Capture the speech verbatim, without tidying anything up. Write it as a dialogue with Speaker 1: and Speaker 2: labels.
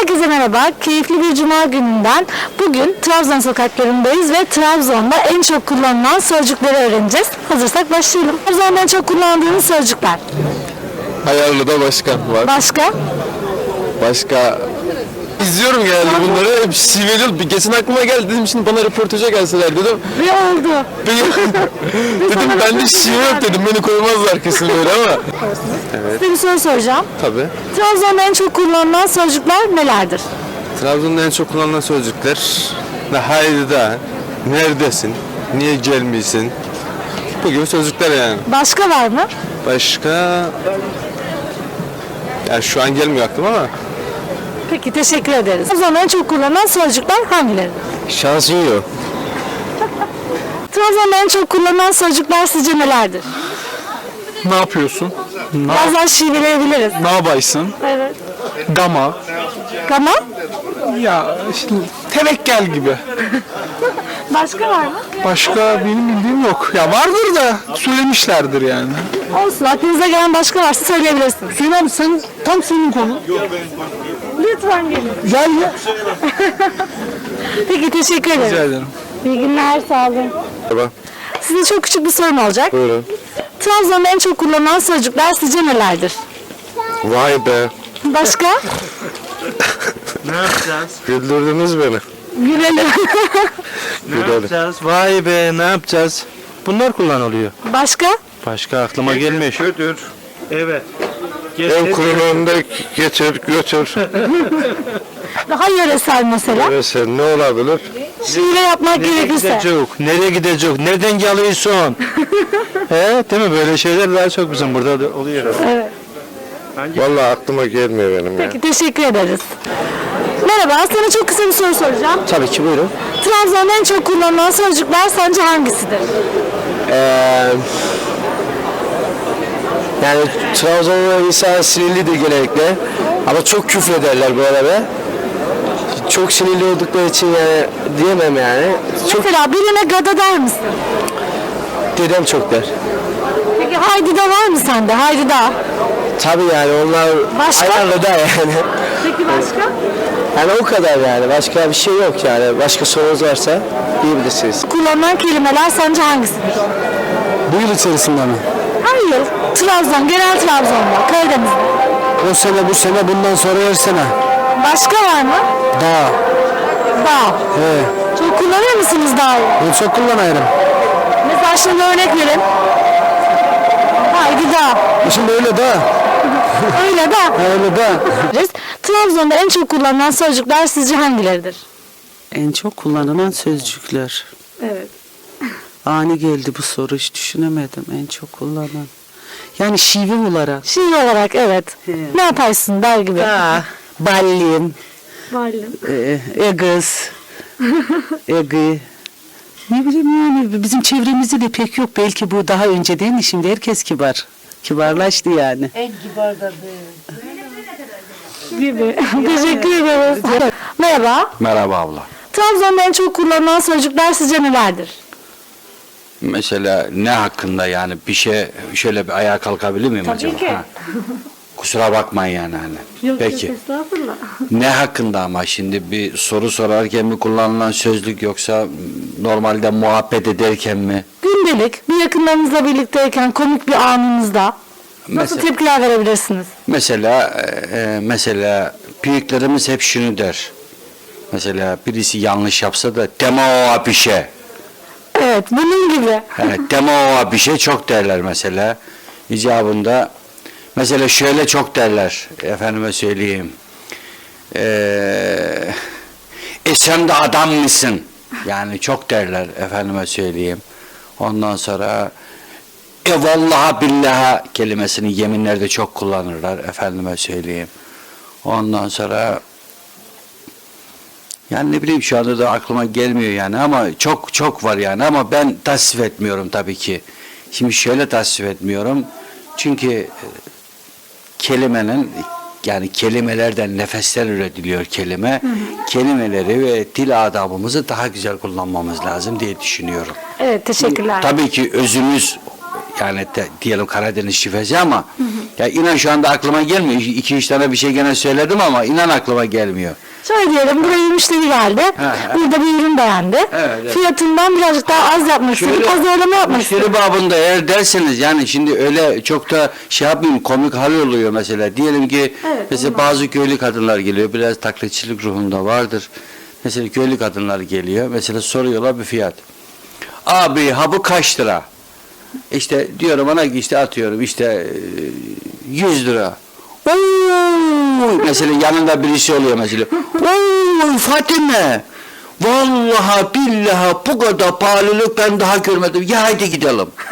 Speaker 1: Herkese merhaba. Keyifli bir cuma gününden bugün Trabzon sokaklarındayız ve Trabzon'da en çok kullanılan sözcükleri öğreneceğiz. Hazırsak başlayalım. Trabzon'da en çok kullandığınız sözcükler.
Speaker 2: Hayarlı'da başkan var.
Speaker 1: Başka?
Speaker 2: Başka izliyorum genelde bunları. Hep şiveli. Bir geçen aklıma geldi, dedim şimdi bana röportaja gelseler dedim.
Speaker 1: Ve oldu.
Speaker 2: dedim bende şive yok dedim. Beni koymazlar kesin böyle ama.
Speaker 1: Size bir soru soracağım.
Speaker 2: Tabii.
Speaker 1: Trabzon'da en çok kullanılan sözcükler nelerdir?
Speaker 2: Trabzon'da en çok kullanılan sözcükler ne haydi da, neredesin, niye gelmiyorsun? Bu gibi sözcükler yani.
Speaker 1: Başka var mı?
Speaker 2: Başka yani şu an gelmiyor aklıma ama.
Speaker 1: Peki, teşekkür ederiz. Trabzon'da en çok kullanılan sözcükler hangileri?
Speaker 2: Şansın yok.
Speaker 1: Trabzon'da en çok kullanılan sözcükler sizce nelerdir?
Speaker 3: Ne yapıyorsun? Ne,
Speaker 1: Bazen şiveleyebiliriz.
Speaker 3: ne yapaysın?
Speaker 1: Evet.
Speaker 3: Gama.
Speaker 1: Gama?
Speaker 3: Ya işte tevekkel gibi.
Speaker 1: Başka var mı?
Speaker 3: Başka benim bildiğim yok. Ya vardır da söylemişlerdir yani.
Speaker 1: Olsun. Aklınıza gelen başka varsa söyleyebilirsiniz.
Speaker 3: Hüseyin abi sen tam senin konu.
Speaker 1: Lütfen gelin.
Speaker 3: Gel ya.
Speaker 1: Peki, teşekkür
Speaker 3: Rica
Speaker 1: ederim.
Speaker 3: ederim.
Speaker 1: İyi günler, sağ olun.
Speaker 2: Merhaba.
Speaker 1: Size çok küçük bir sorum olacak.
Speaker 2: Buyurun.
Speaker 1: Trabzon'da en çok kullanılan sözcükler sizce nelerdir?
Speaker 2: Vay be.
Speaker 1: Başka?
Speaker 4: Ne yapacağız?
Speaker 2: Güldürdünüz beni.
Speaker 1: Gülelim.
Speaker 4: Ne yapacağız? Vay be, ne yapacağız? Bunlar kullanılıyor.
Speaker 1: Başka?
Speaker 4: Başka aklıma gelmiyor. Götür. Evet.
Speaker 2: En
Speaker 4: Getir.
Speaker 2: kuyruğunda getir götür.
Speaker 1: Daha yöresel mesela.
Speaker 2: Evet, sen ne olabilir?
Speaker 1: Şiire yapmak
Speaker 4: Nereye
Speaker 1: gerekirse.
Speaker 4: gidecek? Nereye gidecek? Nereden geliyorsun? He, değil mi? Böyle şeyler daha çok bizim burada da oluyor.
Speaker 1: Evet.
Speaker 2: Vallahi aklıma gelmiyor benim ya.
Speaker 1: Peki, teşekkür ederiz. Merhaba, sana çok kısa bir soru soracağım.
Speaker 4: Tabii ki, buyurun.
Speaker 1: Trabzon'da en çok kullanılan sözcükler sence hangisidir?
Speaker 5: Ee, yani Trabzon'da insan sinirlidir genellikle ama çok küfrederler bu arada. Çok sinirli oldukları için yani diyemem yani. Çok
Speaker 1: Mesela birine gada der misin?
Speaker 5: dedem çok der.
Speaker 1: Peki, haydi da var mı sende? Haydi da.
Speaker 5: Tabii yani onlar
Speaker 1: Başka?
Speaker 5: ayarlı da yani.
Speaker 1: Peki, başka?
Speaker 5: Yani o kadar yani. Başka bir şey yok yani. Başka sorunuz varsa diyebilirsiniz.
Speaker 1: Kullanılan kelimeler sence hangisidir?
Speaker 5: Bu yıl içerisinde mi?
Speaker 1: Hayır. Trabzon, genel Trabzon'da, Karadeniz'de.
Speaker 5: O sene bu sene bundan sonra her sene.
Speaker 1: Başka var mı?
Speaker 5: Dağ.
Speaker 1: Dağ.
Speaker 5: He.
Speaker 1: Çok kullanır mısınız dağı?
Speaker 5: Bunu çok kullanıyorum.
Speaker 1: Mesela şimdi örnek verin. Haydi dağ.
Speaker 5: Şimdi öyle dağ.
Speaker 1: Öyle dağ.
Speaker 5: Öyle dağ.
Speaker 1: Trabzon'da en çok kullanılan sözcükler sizce hangileridir?
Speaker 6: En çok kullanılan sözcükler.
Speaker 1: Evet.
Speaker 6: Ani geldi bu soru, hiç düşünemedim. En çok kullanılan. Yani şive olarak.
Speaker 1: Şiir olarak evet. Ne yaparsın der gibi.
Speaker 6: Da, ballim,
Speaker 1: Varlığım.
Speaker 6: e, egız, egi. Ne bileyim yani bizim çevremizde de pek yok. Belki bu daha önce değil mi? Şimdi herkes kibar. Kibarlaştı yani.
Speaker 1: Gibi. Teşekkür ederiz. Merhaba.
Speaker 7: Merhaba abla.
Speaker 1: Trabzon'da en çok kullanılan sözcükler sizce nelerdir?
Speaker 7: Mesela ne hakkında yani bir şey şöyle bir ayağa kalkabilir miyim
Speaker 1: Tabii
Speaker 7: acaba?
Speaker 1: ki.
Speaker 7: Ha. Kusura bakmayın yani hani.
Speaker 1: Yok,
Speaker 7: Peki.
Speaker 1: yok, estağfurullah.
Speaker 7: Ne hakkında ama şimdi bir soru sorarken mi kullanılan sözlük yoksa normalde muhabbet ederken mi?
Speaker 1: Gündelik bir yakınlarınızla birlikteyken komik bir anınızda nasıl
Speaker 7: Mesela-
Speaker 1: tepkiler verebilirsiniz?
Speaker 7: Mesela e, mesela büyüklerimiz hep şunu der. Mesela birisi yanlış yapsa da deme o bir şey.
Speaker 1: Evet, bunun gibi.
Speaker 7: Evet, deme o bir şey çok derler mesela. İcabında mesela şöyle çok derler, efendime söyleyeyim. Ee, e sen de adam mısın? Yani çok derler, efendime söyleyeyim. Ondan sonra e vallahi billahi kelimesini yeminlerde çok kullanırlar, efendime söyleyeyim. Ondan sonra yani ne bileyim şu anda da aklıma gelmiyor yani ama çok çok var yani ama ben tasvip etmiyorum tabii ki. Şimdi şöyle tasvip etmiyorum. Çünkü e, kelimenin yani kelimelerden nefesler üretiliyor kelime. Hı hı. Kelimeleri ve dil adabımızı daha güzel kullanmamız lazım diye düşünüyorum.
Speaker 1: Evet, teşekkürler.
Speaker 7: Tabii ki özümüz yani de, diyelim Karadeniz şivesi ama hı hı. Ya inan şu anda aklıma gelmiyor. İki üç tane bir şey gene söyledim ama inan aklıma gelmiyor.
Speaker 1: Şöyle diyelim, buraya bir müşteri geldi.
Speaker 7: ha.
Speaker 1: Burada bir ürün beğendi.
Speaker 7: Evet, evet.
Speaker 1: Fiyatından birazcık daha az yapmak istedi.
Speaker 7: Şöyle,
Speaker 1: Pazarlama yapmak istedi.
Speaker 7: müşteri babında eğer derseniz yani şimdi öyle çok da şey yapmayayım komik hal oluyor mesela. Diyelim ki
Speaker 1: Evet,
Speaker 7: mesela bazı köylü kadınlar geliyor. Biraz taklitçilik ruhunda vardır. Mesela köylü kadınlar geliyor. Mesela soruyorlar bir fiyat. Abi ha bu kaç lira? İşte diyorum ona ki işte atıyorum işte e, yüz lira. Oy! Mesela yanında birisi oluyor mesela. Oy Fatime! Vallahi billahi bu kadar pahalılık ben daha görmedim. Ya hadi gidelim.